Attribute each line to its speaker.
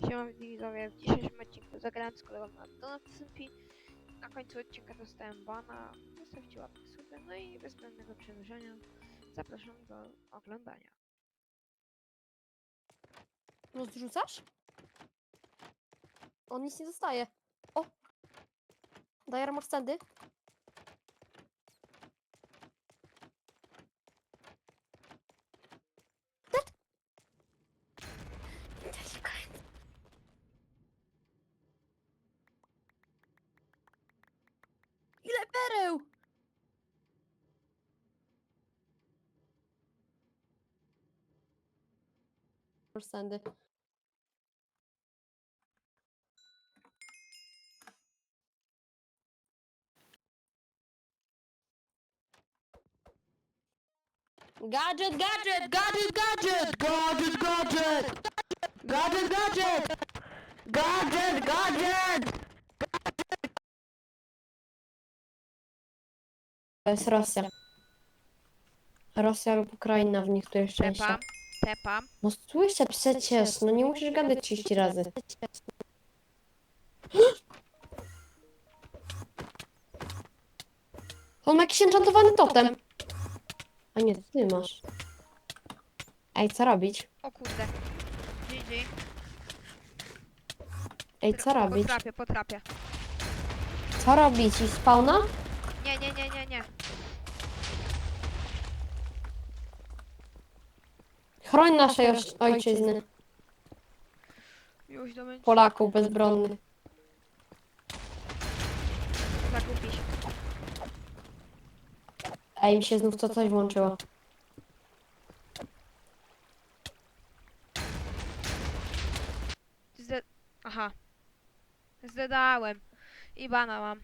Speaker 1: Siema widzowie, w dzisiejszym odcinku zagrałem z kolegą na Donut SMP. Na końcu odcinka dostałem bana, zostawcie łapkę sobie, no i bez zbędnego przedłużenia zapraszam do oglądania.
Speaker 2: Rozrzucasz? On nic nie dostaje. O! Daję armor standy. Dead! Ile pereł! Armor standy. Gadżet, gadżet, gadżet, gadżet! Gadżet, gadżet! Gadżet, gadżet! Gadżet, gadżet! To jest Rosja. Rosja lub Ukraina w niektórych częściach.
Speaker 1: Tepam.
Speaker 2: No słyszę przecież, no nie musisz gadać 30 razy. On ma jakiś enchantowany totem. A nie, to ty masz. Ej, co robić?
Speaker 1: O kurde. GG.
Speaker 2: Ej, co robić?
Speaker 1: Potrapię.
Speaker 2: Co robić? I spawna?
Speaker 1: Nie.
Speaker 2: Chroń naszej ojczyzny.
Speaker 1: Już do męczy.
Speaker 2: Polaków bezbronnych.
Speaker 1: Zagubi się.
Speaker 2: Ej, mi się znów to coś włączyło.
Speaker 1: Aha. Zdedałem. I bana mam.